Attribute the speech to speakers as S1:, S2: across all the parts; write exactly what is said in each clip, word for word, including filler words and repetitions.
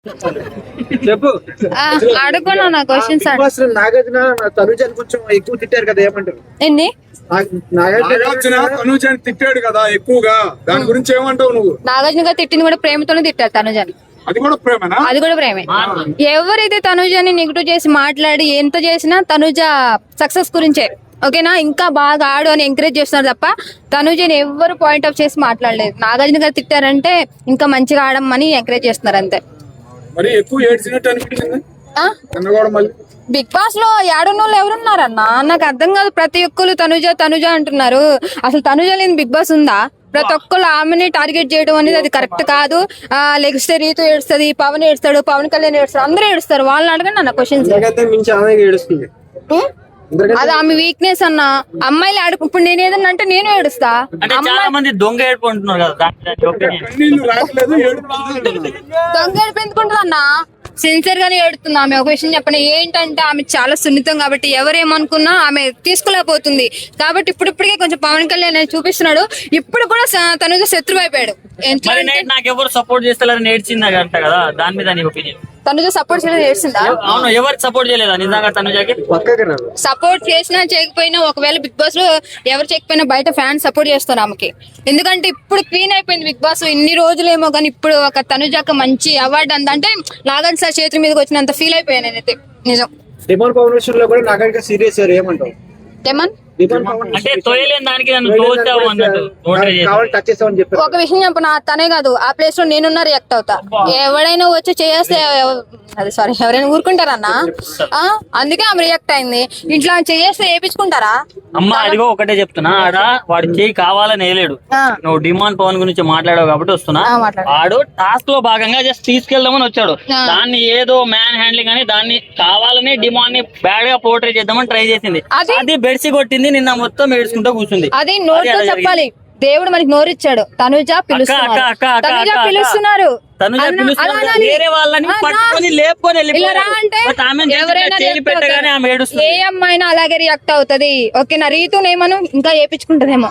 S1: చెప్పు.
S2: అడుగున్నా నా క్వశ్చన్స్
S1: నాగార్జున తనుజాని కొంచెం ఎక్కువ తిట్టారు కదా, ఏమంటారు?
S2: ఎన్ని
S3: నాగార్జున తనుజాని తిట్టాడు కదా ఎక్కువగా, దాని గురించి ఏమంటావు నువ్వు?
S2: నాగార్జున గారు తిట్టింది కూడా ప్రేమతోనే తిట్టారు తనుజాని.
S3: అది కూడా ప్రేమనా?
S2: అది కూడా ప్రేమే. ఎవరైతే తనుజాని నెగిటివ్ చేసి మాట్లాడి ఎంత చేసినా తనుజ సక్సెస్ గురించే, ఓకేనా? ఇంకా బాగా ఆడు అని ఎంకరేజ్ చేస్తున్నారు తప్ప తనుజని ఎవరు పాయింట్ ఆఫ్ చేసి మాట్లాడలేదు. నాగార్జున గారు తిట్టారంటే ఇంకా మంచిగా ఆడమని ఎంకరేజ్ చేస్తున్నారు అంతే.
S3: మరి ఎక్కువ ఏడ్చినట్టు అనిపించింది కన్నగోడ మళ్ళీ.
S2: బిగ్ బాస్ లో ఏడున్నోళ్ళు ఎవరున్నారన్నా నాకు అర్థం కాదు. ప్రతి ఒక్కరు తనుజ తనుజ అంటున్నారు. అసలు తనుజ లేని బిగ్ బాస్ ఉందా? ప్రతి ఒక్కరు ఆమెని టార్గెట్ చేయడం అనేది అది కరెక్ట్ కాదు. ఆ లెగిస్తే రీతు ఏడుస్తుంది, పవన్ ఏడుస్తాడు, పవన్ కళ్యాణ్ ఏడుస్తాడు, అందరూ ఏడుస్తారు. వాళ్ళని అడగండి అన్న క్వశ్చన్స్. అది ఆమె వీక్నెస్ అన్న. అమ్మాయిలు ఆడు ఇప్పుడు నేను ఏదన్నా అంటే నేను ఏడుస్తా.
S4: చాలా మంది దొంగ ఏడుపు అంటున్నారు కదా,
S2: దొంగ ఏడుపు ఎందుకుంటుంది అన్న? సిన్సియర్ గానే ఏడుతుంది ఆమె. ఒక విషయం చెప్పండి, ఏంటంటే ఆమె చాలా సున్నితం కాబట్టి ఎవరేమనుకున్నా ఆమె తీసుకోలేకపోతుంది. కాబట్టి ఇప్పుడిప్పటికే కొంచెం పవన్ కళ్యాణ్ చూపిస్తున్నాడు. ఇప్పుడు కూడా తనుజ శత్రువు అయిపోయాడు.
S4: నాకు ఎవరు సపోర్ట్ చేస్తారని నేర్చింది అంట కదా, దాని మీద నీ ఒపీనియన్?
S2: తనుజ సపోర్ట్ చేయడం చేసిందా?
S4: అవును, ఎవరికి సపోర్ట్ చేయలేదా నిజంగా తనుజకి?
S2: సపోర్ట్ చేసినా చేయకపోయినా, ఒకవేళ బిగ్ బాస్ లో ఎవరు చేయకపోయినా బయట ఫ్యాన్స్ సపోర్ట్ చేస్తారు ఆమెకి. ఎందుకంటే ఇప్పుడు క్వీన్ అయిపోయింది బిగ్ బాస్. ఇన్ని రోజులేమో కానీ ఇప్పుడు ఒక తనుజకి మంచి అవార్డు అందంటే నాగార్జున సార్ చేతుల మీదకి వచ్చినంత ఫీల్ అయిపోయాను నేనైతే. నిజం.
S1: డిమాండ్ పవన్ విషయంలో కూడా నాగార్జున సీరియస్ ఏమంటావు?
S2: డెమన్
S4: అంటే తోయలేని దానికి నన్ను తోచావు అన్నట్టు
S2: ఒక విషయం చెప్పనా, తనే కాదు ఆ ప్లేస్ లో నేనున్నా రియాక్ట్ అవుతా. ఎవడైనా వచ్చి చేస్తే అది సారీ ఎవరైనా ఊరుకుంటారన్నా. అందుకే ఆమె రియాక్ట్ అయింది. ఇంట్లో చేస్తే వేయించుకుంటారా?
S4: అమ్మా అదిగో ఒకటే చెప్తున్నా, ఆడ వాడు చేయి కావాలని వేయలేడు. నువ్వు డిమాండ్ పవన్ గురించి మాట్లాడావు కాబట్టి వస్తున్నా. వాడు టాస్క్ లో భాగంగా జస్ట్ తీసుకెళ్దామని వచ్చాడు. దాన్ని ఏదో మ్యాన్ హ్యాండ్లింగ్ అని దాన్ని కావాలని డిమాండ్ ని బ్యాడ్ గా పోర్ట్రేట్ చేద్దామని ట్రై చేసింది. అది బెడ్సి కొట్టింది, నిన్న మొత్తం ఏడ్చుకుంటూ కూర్చుంది.
S2: అది నోటితో చెప్పాలి. దేవుడు మనకి నోరిచ్చాడు. తనుజ పిలుస్తున్నారు, తనుజ పిలుస్తున్నారు.
S4: వేరే వాళ్ళని పట్టుకొని లేపుకొని
S2: ఏ అమ్మాయినా అలాగే రియాక్ట్ అవుతది. ఓకేనా? రీతు నేమను ఇంకా ఏపించుకుంటదేమో.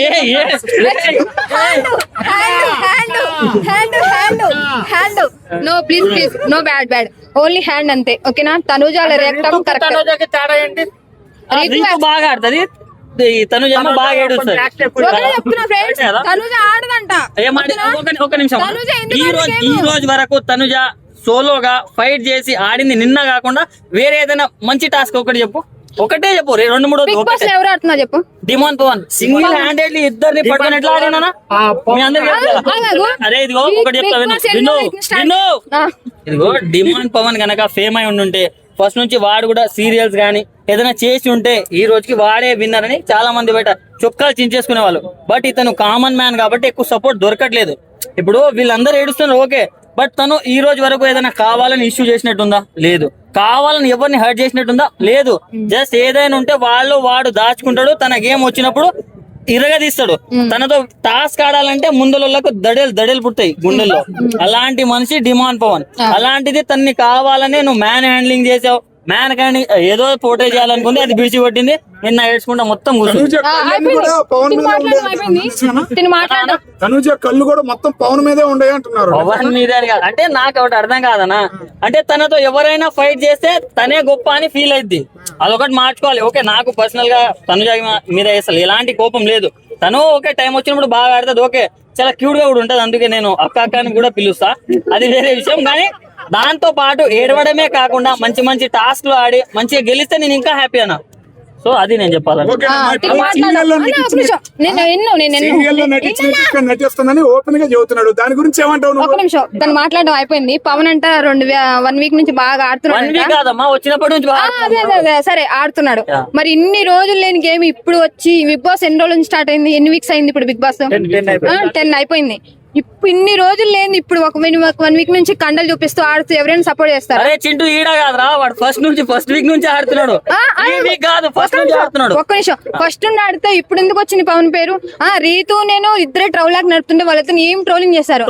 S2: No please please no bad bad only hand అంతే. ఓకేనా? తనుజ అలా రియాక్ట్ అవ్వడం కరెక్ట్.
S4: బాగా ఆడుతుంది, తనుజ బాగా ఏడుస్తుంది.
S2: తనుజ ఆడదంట.
S4: ఒక నిమిషం, ఈ రోజు ఈ రోజు వరకు తనుజ సోలోగా ఫైట్ చేసి ఆడింది నిన్న కాకుండా వేరే ఏదైనా మంచి టాస్క్ ఒకటి చెప్పు, ఒకటే చెప్పు. రెండు మూడు
S2: ఎవరు ఆడుతున్నా చెప్పు.
S4: డిమాండ్ పవన్ సింగిల్ హ్యాండెడ్లీ ఇద్దరిని పట్టుకుని ఎట్లా ఆడినా మీ అందరికి. అరే ఇదిగో ఒకటి చెప్తా విను విను విను ఇదిగో డిమాండ్ పవన్ గనక ఫేమ్ అయి ఉండుంటే ఫస్ట్ నుంచి వాడు కూడా సీరియల్స్ గానీ ఏదైనా చేసి ఉంటే ఈ రోజుకి వాడే విన్నర్ అని చాలా మంది బయట చొక్కాలు చించేసుకునే వాళ్ళు. బట్ ఇతను కామన్ మ్యాన్ కాబట్టి ఎక్కువ సపోర్ట్ దొరకట్లేదు. ఇప్పుడు వీళ్ళందరూ ఏడుస్తున్నారు ఓకే, బట్ తను ఈ రోజు వరకు ఏదైనా కావాలని ఇష్యూ చేసినట్టుందా? లేదు. కావాలని ఎవరిని హర్ట్ చేసినట్టుందా? లేదు. జస్ట్ ఏదైనా ఉంటే వాళ్ళు వాడు దాచుకుంటాడు, తన గేమ్ వచ్చినప్పుడు ఇరగదీస్తాడు. తనతో టాస్క్ ఆడాలంటే ముందులకు దడేలు దడేలు పుట్టాయి గుండెల్లో. అలాంటి మనిషి డిమాండ్ పవన్. అలాంటిది తన్ని కావాలనే నువ్వు మ్యాన్ హ్యాండ్లింగ్ చేసావు. మ్యాన్ కానీ ఏదో పోర్ట్రే చేయాలనుకుంది, అది బిడిచి పట్టింది. నిన్న ఏడ్చుకుంటా మొత్తం కూర్చుంది.
S3: తనుజ కళ్ళు కూడా మొత్తం పవన్ మీదే ఉండే అంటున్నారు.
S4: పవన్ మీదే కాదు అంటే నాకు ఒకటి అర్థం కాదనా, అంటే తనతో ఎవరైనా ఫైట్ చేస్తే తనే గొప్ప అని ఫీల్ అయింది. అదొకటి మార్చుకోవాలి. ఓకే, నాకు పర్సనల్ గా తనుజ మీద అసలు ఎలాంటి కోపం లేదు. తను ఓకే టైం వచ్చినప్పుడు బాగా ఆడుతుంది, ఓకే చాలా క్యూట్ గా కూడా ఉంటది. అందుకే నేను అక్క అక్క అని కూడా పిలుస్తా, అది వేరే విషయం. కానీ దాంతో పాటు ఏడవడమే కాకుండా మంచి మంచి టాస్క్లు ఆడి మంచిగా గెలిస్తే నేను ఇంకా హ్యాపీ అన్నా. సో అది నేను చెప్పాలి.
S3: దాని గురించి ఏమంటావు?
S2: ఒక నిమిషం, తను మాట్లాడడం అయిపోయింది. పవన్ అంట రెండు వన్ వీక్ నుంచి బాగా ఆడుతున్నాడు.
S4: వచ్చినప్పటి నుంచి
S2: సరే ఆడుతున్నాడు. మరి ఇన్ని రోజులు లేని గేమ్ ఇప్పుడు వచ్చి బిగ్ బాస్ ఎన్ని రోజుల నుంచి స్టార్ట్ అయింది? ఎన్ని వీక్స్ అయింది ఇప్పుడు బిగ్ బాస్? టెన్ అయిపోయింది. ఇప్పుడు ఇన్ని రోజులు లేదు, ఇప్పుడు ఒక వన్ వీక్ నుంచి కండలు చూపిస్తూ ఆడుతూ ఎవరైనా సపోర్ట్ చేస్తారు.
S4: అరే చింటూ ఈడ కాదురా, వాడు ఫస్ట్ నుంచి ఫస్ట్ వీక్ నుంచి ఆడుతున్నాడు.
S2: ఒక్క నిమిషం, ఫస్ట్ నుండి ఆడితే ఇప్పుడు ఎందుకు వచ్చింది పవన్ పేరు? ఆ రీతు నేను ఇద్దరే ట్రోల్ లాగా నడుతుంటే వాళ్ళతో ఏం ట్రోలింగ్ చేశారు.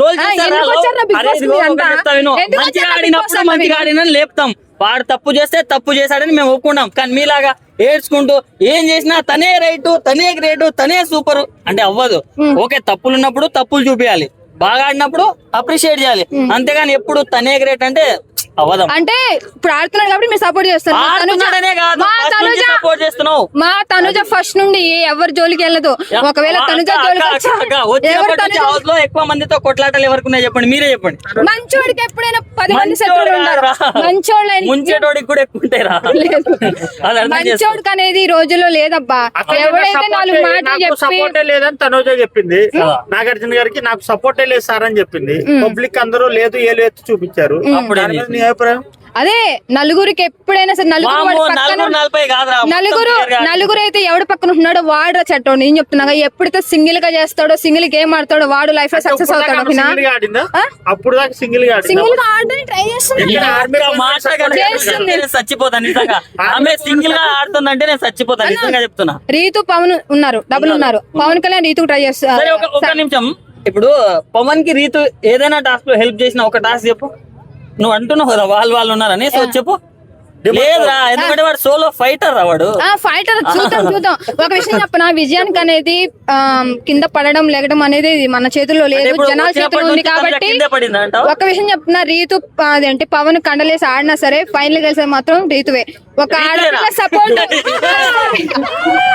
S4: మంచిగా ఆడినని లేపుతాం, వాడు తప్పు చేస్తే తప్పు చేశాడని మేము ఒప్పుకున్నాం. కానీ మీలాగా ఏడ్చుకుంటూ ఏం చేసినా తనే రైట్, తనే గ్రేట్, తనే సూపర్ అంటే అవ్వదు. ఓకే, తప్పులు ఉన్నప్పుడు తప్పులు చూపించాలి. బాగా ఆడినప్పుడు అప్రిషియేట్ చేయాలి, అంతేగాని ఎప్పుడు తనే గ్రేట్ అంటే అవదాం.
S2: అంటే ఇప్పుడు ఆడుతున్నాడు కాబట్టి మీరు సపోర్ట్ చేస్తారు.
S4: ఆడుతున్నాడనే కాదు,
S2: మా
S4: first
S2: తనుజ
S4: నుంచి support చేస్తున్నావు.
S2: మా తనుజ ఫస్ట్ నుండి ఎవరి జోలికి వెళ్ళదు. ఒకవేళ తనుజ జోలికి వచ్చి- ఎవరు తనుజ-
S4: హౌస్ లో ఎక్కువ మందితో కొట్లాటలు ఎవరికి ఉన్నాయి చెప్పండి, మీరే చెప్పండి.
S2: మంచోడికి ఎప్పుడైనా పది మంది
S4: మంచోడు
S2: శత్రువులు ఉంటారు.
S4: కాదురా.
S2: మంచోళ్ళు ఆయన-
S4: ముంచేటోడికి కూడా ఎక్కువ ఉంటాయిరా.
S2: లేదు.
S4: అది అర్థం చేసుకో.
S2: మంచోడికి అనేది ఈ రోజుల్లో లేదబ్బా. ఎవడైతే నాలుగు మాటలు చెప్పి
S5: సపోర్టే లేదని తనోజ చెప్పింది. నాగార్జున గారికి నాకు సపోర్టే లేదు సార్ అని చెప్పింది. పబ్లిక్ అందరూ లేదు ఏలు ఎత్తి చూపించారు.
S4: అప్పుడు
S5: దాని మీద నీ అభిప్రాయం?
S2: అదే నలుగురికి ఎప్పుడైనా సరే నలుగురు
S4: వామ్మో,
S2: వాడి పక్కన-
S4: నలుగురు నలభై కాదురా, మొత్తం
S2: నలుగురు
S4: clear గా
S2: నలుగురు అయితే ఎవడు పక్కన ఉంటున్నాడో వాడు చట్టం. నేను చెప్తున్నా ఎప్పుడైతే సింగిల్ గా చేస్తాడో, సింగిల్ గేమ్ ఆడతాడో వాడు లైఫ్ లో సక్సెస్ అవుతాడు. ఓకేనా?
S5: సింగిల్ గా ఆడిందా?
S2: ఆ?
S5: అప్పుడు దాకా సింగిల్ గా ఆడిందా?
S2: సింగిల్ గా ఆడడానికి ట్రై చేస్తున్నాడు.
S4: ఇక్కడ ఆర్మీ మాట కనుక
S2: చేస్తుంది.
S4: నేను చచ్చిపోతాను నిజంగా. ఆమె సింగిల్ గా ఆడుతుందంటే నేను చచ్చిపోతాను నిజంగా చెప్తున్నా.
S2: రీతు పవన్ ఉన్నారు, డబుల్ ఉన్నారు. పవన్ కళ్యాణ్ రీతు ట్రై
S4: సరే
S2: చేస్తారు.
S4: ఒక ఒక నిమిషం, ఇప్పుడు పవన్ కి రీతు ఏదైనా టాస్క్ లో హెల్ప్ చేసిన ఒక టాస్క్ చెప్పు. నువ్వు అంటున్నావు కదా వాళ్ళు వాళ్ళు ఉన్నారని, సో చెప్పు. లేదురా, ఎందుకంటే వాడు సోలో ఫైటర్ రా వాడు.
S2: ఫైటర్ చూద్దాం చూద్దాం. ఒక విషయం చెప్పనా, విజయానికి అనేది ఆ, కింద పడడం లేగడం అనేది మన చేతుల్లో లేదు,
S4: ఇప్పుడు
S2: జనాల
S4: వచ్చినప్పటి
S2: చేతుల్లో ఉంది
S4: నుంచి తనకి
S2: కాబట్టి.
S4: కిందే పడిందా అంటావా?
S2: ఒక విషయం చెప్తున్నా, రీతు ఆ, అదేంటి పవన్ కండలేసి ఆడినా సరే ఫైనల్ గెలిచేది మాత్రం రీతువే. ఒక ఆడపిల్ల సపోర్ట్